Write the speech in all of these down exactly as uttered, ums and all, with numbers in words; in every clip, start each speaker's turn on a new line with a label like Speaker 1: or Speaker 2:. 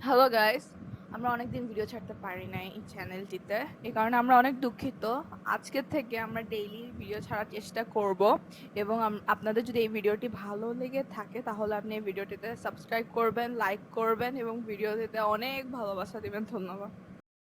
Speaker 1: Hello guys, আমরা অনেকদিন video ছাড়তে পারি নাই এই চ্যানেলটিতে। এই কারণে আমরা অনেক দুঃখিত। আজকের থেকে আমরা ডেইলি ভিডিও ছাড়ার চেষ্টা করব এবং আম- আপনাদের যদি এই ভিডিওটি ভালো লেগে থাকে তাহলে আপনি এই ভিডিওটিতে সাবস্ক্রাইব করবেন, লাইক করবেন এবং ভিডিওটিতে অনেক ভালোবাসা দিবেন। ধন্যবাদ।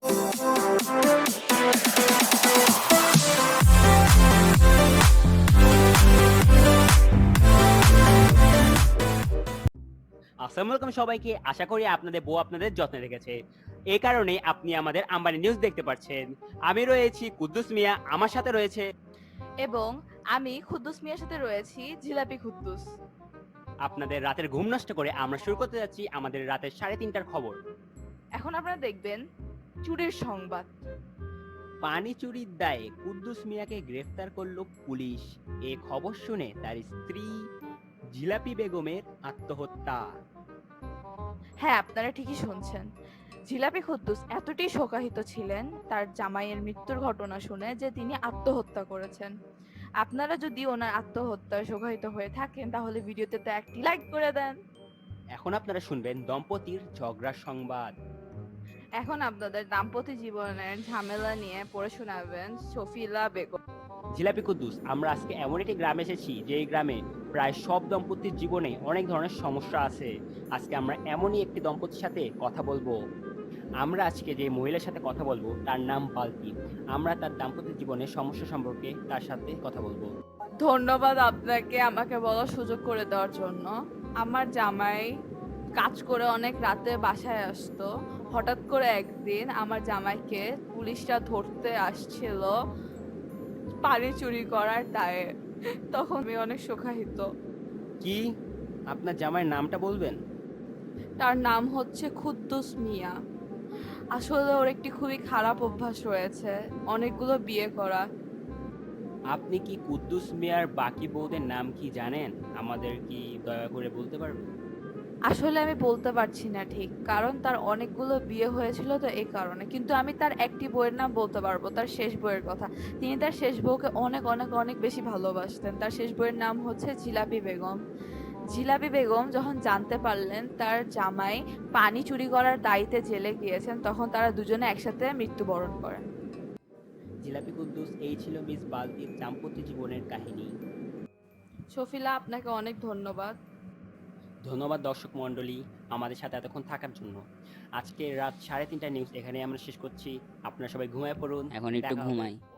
Speaker 2: আসসালামু আলাইকুম সবাইকে। আশা করি আপনাদের বউ আপনাদের যত্নে রেখেছে। এই কারণে আপনি আমাদের আম্বানি নিউজ দেখতে পাচ্ছেন। আমি রয়েছি কুদ্দুস মিয়া, আমার সাথে রয়েছে
Speaker 1: এবং আমি খুদ্দুস মিয়ার সাথে রয়েছি জিলাপি খুদ্দুস।
Speaker 2: আপনাদের রাতের ঘুম নষ্ট করে আমরা শুরু করতে যাচ্ছি আমাদের রাতের সাড়ে তিনটার খবর।
Speaker 1: এখন আপনারা দেখবেন চুরির সংবাদ।
Speaker 2: পানি চুরির দায়ে কুদ্দুস মিয়াকে গ্রেফতার করলো পুলিশ। এ খবর শুনে তার স্ত্রী জিলাপি বেগমের আত্মহত্যা।
Speaker 1: হ্যাঁ, আপনারা ঠিকই শুনছেন। জিলাপি কুদ্দুস এতটাই শোকাহত ছিলেন তার জামাইয়ের মৃত্যুর ঘটনা শুনে যে তিনি আত্মহত্যা করেছেন। আপনারা যদি ওনার আত্মহত্যায় শোকাহত হয়ে থাকেন তাহলে ভিডিওতে তো একটি লাইক করে দেন।
Speaker 2: এখন আপনারা শুনবেন দম্পতির ঝগড়ার সংবাদ।
Speaker 1: এখন আপনাদের দাম্পত্য জীবনের ঝামেলা নিয়ে পড়ে শোনাবেন শফিলা বেগম।
Speaker 2: জিলাপি কুদ্দুস, আমরা আজকে এমন একটি গ্রামে এসেছি যে এই গ্রামে প্রায় সব দম্পতির জীবনে অনেক ধরনের সমস্যা আছে। আজকে আমরা এমনই একটি দম্পতির সাথে কথা বলবো। আমরা আজকে যে মহিলার সাথে কথা বলবো তার নাম বালতি। আমরা তার দাম্পত্য জীবনের সমস্যা সম্পর্কে তার সাথে কথা বলবো।
Speaker 1: ধন্যবাদ আপনাকে আমাকে বলার সুযোগ করে দেওয়ার জন্য। আমার জামাই কাজ করে অনেক রাতে বাসায় আসতো। হঠাৎ করে একদিন আমার জামাইকে পুলিশরা ধরতে আসছিল পানি চুরি করার দায়ে। তখন আমি অনেক শোকাহত।
Speaker 2: কি? আপনার জামাইয়ের নামটা বলবেন?
Speaker 1: তার নাম হচ্ছে খুদ্দুস মিয়া। আসলে ওর একটি খুবই খারাপ অভ্যাস রয়েছে, অনেকগুলো বিয়ে করা।
Speaker 2: আপনি কি কুদ্দুস মিয়ার বাকি বউদের নাম কি জানেন? আমাদের কি দয়া করে বলতে পারবেন?
Speaker 1: আসলে আমি বলতে পারছি না ঠিক, কারণ তার অনেকগুলো বিয়ে হয়েছিল তো এই কারণে। কিন্তু আমি তার একটি বইয়ের নাম বলতে পারবো, তার শেষ বইয়ের কথা। তিনি তার শেষ বউকে অনেক অনেক অনেক বেশি ভালোবাসতেন। তার শেষ বইয়ের নাম হচ্ছে জিলাপি বেগম। জিলাপি বেগম যখন জানতে পারলেন তার জামাই পানি চুরি করার দায়িত্বে জেলে গিয়েছেন, তখন তারা দুজনে একসাথে মৃত্যুবরণ করেন।
Speaker 2: জিলাপি কুদ্দুস, এই ছিল মিস বালতির দাম্পত্য জীবনের কাহিনী।
Speaker 1: শফিলা, আপনাকে অনেক ধন্যবাদ।
Speaker 2: ধন্যবাদ দর্শক মণ্ডলী আমাদের সাথে এতক্ষণ থাকার জন্য। আজকে রাত সাড়ে তিনটা নিউজ এখানে আমরা শেষ করছি। আপনারা সবাই ঘুমায় পড়ুন।
Speaker 3: এখন একটু
Speaker 2: দেখা হবে
Speaker 3: ঘুমাই।